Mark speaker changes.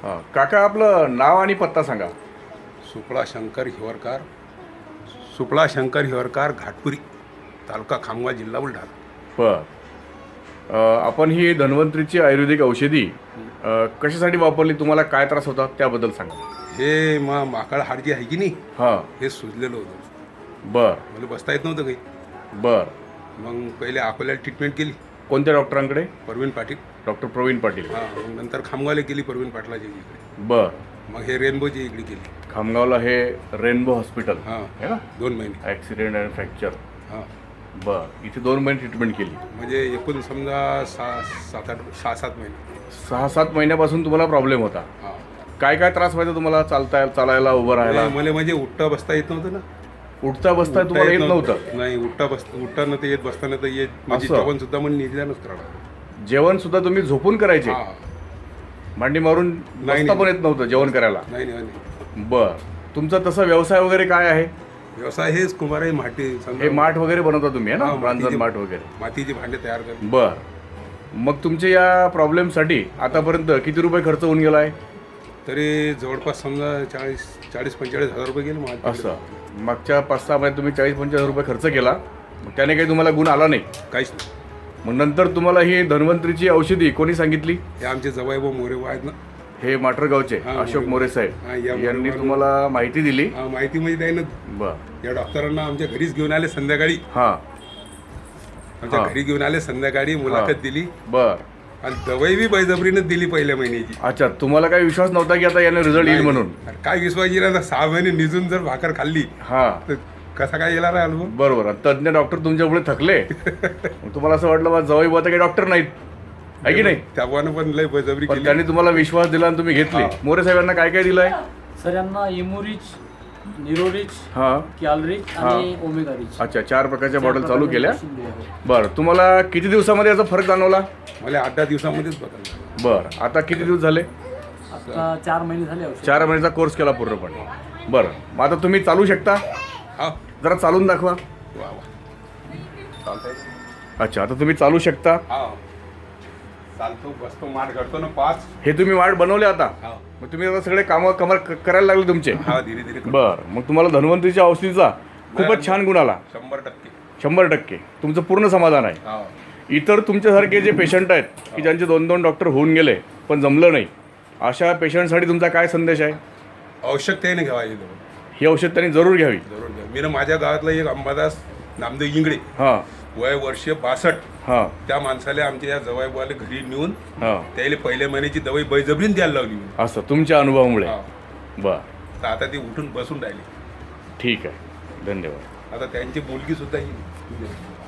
Speaker 1: हां काका आपलं नाव आणि पत्ता सांगा.
Speaker 2: सुपळा शंकर हिवरकार घाटपुरी, तालुका खामगाव, जिल्हा बुलढाणा.
Speaker 1: बर आपण ही धन्वंतरीची आयुर्वेदिक औषधी कशासाठी वापरली, तुम्हाला काय त्रास होता त्याबद्दल सांगा.
Speaker 2: हे माकड हाड जी आहे की नाही,
Speaker 1: हां
Speaker 2: हे सुजलेलं होतं.
Speaker 1: बर
Speaker 2: मला बसता येत नव्हतं काही.
Speaker 1: बर
Speaker 2: मग पहिले अकोल्याला ट्रीटमेंट केली,
Speaker 1: कोणत्या डॉक्टरांकडे?
Speaker 2: प्रवीण पाटील.
Speaker 1: डॉक्टर प्रवीण पाटील.
Speaker 2: हां, मग नंतर खामगावला केली प्रवीण पाटलाच्या इकडे.
Speaker 1: बर
Speaker 2: मग हे रेनबोची इकडे केली.
Speaker 1: खामगावला हे रेनबो हॉस्पिटल
Speaker 2: हां,
Speaker 1: आहे ना,
Speaker 2: 2 महिने.
Speaker 1: Accident and fracture.
Speaker 2: हां,
Speaker 1: बर इथे 2 महिने ट्रीटमेंट केली.
Speaker 2: म्हणजे एकूण समजा 6-7 महिने.
Speaker 1: 6-7 महिन्यापासून तुम्हाला प्रॉब्लेम होता.
Speaker 2: हां,
Speaker 1: काय काय त्रास व्हायचा तुम्हाला, चालायला उभं राहायला?
Speaker 2: मला म्हणजे उठता बसता येत नव्हतं ना.
Speaker 1: उठता बसता तुम्हाला येत नव्हतं?
Speaker 2: नाही, उठताना तर येत, बसताना तर येत. म्हणजे
Speaker 1: असं?
Speaker 2: जेवण सुद्धा म्हणजे निदानच करावं.
Speaker 1: जेवण सुद्धा तुम्ही झोपून करायचे?
Speaker 2: हां,
Speaker 1: मांडी मारून बसता पण येत नव्हतं जेवण करायला?
Speaker 2: नाही नाही नाही.
Speaker 1: बर तुमचा तसा व्यवसाय वगैरे काय आहे?
Speaker 2: व्यवसाय हेच कुंभार माठी
Speaker 1: हे माठ वगैरे बनवता तुम्ही, आहे ना,
Speaker 2: हां,
Speaker 1: रांजण माठ वगैरे?
Speaker 2: मातीचे भांडे तयार करतो.
Speaker 1: बर मग तुमच्या या प्रॉब्लेमसाठी आतापर्यंत किती रुपये खर्च होऊन गेला आहे?
Speaker 2: तरी जवळपास समजा 40-45 हजार रुपये गेले माझे.
Speaker 1: असं मागच्या 5-6 महिन्यात तुम्ही 40-50 हजार रुपये खर्च केला, मग त्याने काही तुम्हाला गुण आला नाही?
Speaker 2: काहीच नाही.
Speaker 1: मग नंतर तुम्हाला ही धन्वंतरीची औषधी कोणी सांगितली?
Speaker 2: हे आमचे जवाई व मोरे आहेत ना.
Speaker 1: हे माटरगावचे
Speaker 2: हां,
Speaker 1: अशोक मोरे साहेब
Speaker 2: हां, या
Speaker 1: यांनी
Speaker 2: मोरे-
Speaker 1: तुम्हाला माहिती दिली?
Speaker 2: हां, माहिती म्हणजे त्यानं
Speaker 1: बर
Speaker 2: या डॉक्टरांना आमच्या घरीच घेऊन आले संध्याकाळी.
Speaker 1: हां
Speaker 2: आमच्या
Speaker 1: हां.
Speaker 2: घरी घेऊन आले संध्याकाळी, मुलाखत दिली
Speaker 1: बर
Speaker 2: आणि दवाई बी बळजबरीनं दिली पहिल्या महिन्याची.
Speaker 1: अच्छा, तुम्हाला काही विश्वास नव्हता की आता याने रिझल्ट येईल म्हणून?
Speaker 2: अरे काय विश्वास येईल ना, 6 महिने निजून जर भाकर खाल्ली
Speaker 1: हां
Speaker 2: तर कसा काय येणार आहे अनुभव.
Speaker 1: बरोबर. तज्ञ डॉक्टर तुमच्यापुढे थकले, मग तुम्हाला असं वाटलं बा जवळ बुवा तर काही डॉक्टर नाहीत, आहे की नाही?
Speaker 2: त्यामुळे पण लय बळजबरी
Speaker 1: पण
Speaker 2: केली.
Speaker 1: त्यांनी तुम्हाला विश्वास दिला आणि तुम्ही घेतली.
Speaker 2: हां.
Speaker 1: मोरे साहेबांना काय काय दिलंय?
Speaker 3: सर यांना इमोरिच, निरोरिच,
Speaker 1: हां
Speaker 3: कॅलरिच आणि ओमेगारिच.
Speaker 1: अच्छा, 4 प्रकारच्या बॉटल चालू केल्या.
Speaker 3: शिंदे आहे.
Speaker 1: बरं तुम्हाला किती दिवसामध्ये याचा फरक जाणवला?
Speaker 2: मला 8-10 दिवसामध्येच बदलला.
Speaker 1: बरं आता किती दिवस झाले?
Speaker 3: आता 4 महिने झाले औषध.
Speaker 1: 4 महिन्याचा कोर्स केला पूर्णपणे. बरं मग आता तुम्ही चालू शकता?
Speaker 2: हा,
Speaker 1: जरा चालून दाखवा.
Speaker 2: वा वा, चालतंय.
Speaker 1: अच्छा आता तुम्ही चालू शकता.
Speaker 2: हा, चालतो, बसतो, माठ करतो ना 5.
Speaker 1: हे तुम्ही वाट बनवले आता,
Speaker 2: हा,
Speaker 1: मग तुम्ही आता सगळे कामं करायला लागले तुमचे?
Speaker 2: हा, धीरे धीरे करतो.
Speaker 1: बरं मग तुम्हाला धन्वंतरीच्या औषधीचा खूपच छान गुण आला.
Speaker 2: 100%.
Speaker 1: 100% तुमचं पूर्ण समाधान आहे.
Speaker 2: हा,
Speaker 1: इतर तुमच्यासारखे जे पेशंट आहेत की ज्यांचे 2-2 डॉक्टर होऊन गेले पण जमलं नाही, अशा पेशंटसाठी तुमचा काय संदेश आहे?
Speaker 2: आवश्यकतेने घ्यावायची जवळ.
Speaker 1: ही औषध त्यांनी जरूर घ्यावी.
Speaker 2: जरूर घ्या. मी ना माझ्या गावातला एक अंबादास नामदेव इंगळे,
Speaker 1: हां
Speaker 2: वय वर्ष 62,
Speaker 1: हां
Speaker 2: त्या माणसाला आमच्या या जवाईबाला घरी नेऊन
Speaker 1: हां
Speaker 2: त्याला पहिल्या महिन्याची दवाई बळजबरीने द्यायला लावली मी.
Speaker 1: असं तुमच्या अनुभवामुळे?
Speaker 2: हा,
Speaker 1: बरं
Speaker 2: तर आता ती उठून बसून राहिली.
Speaker 1: ठीक आहे, धन्यवाद.
Speaker 2: आता त्यांची मुलगी सुद्धा ही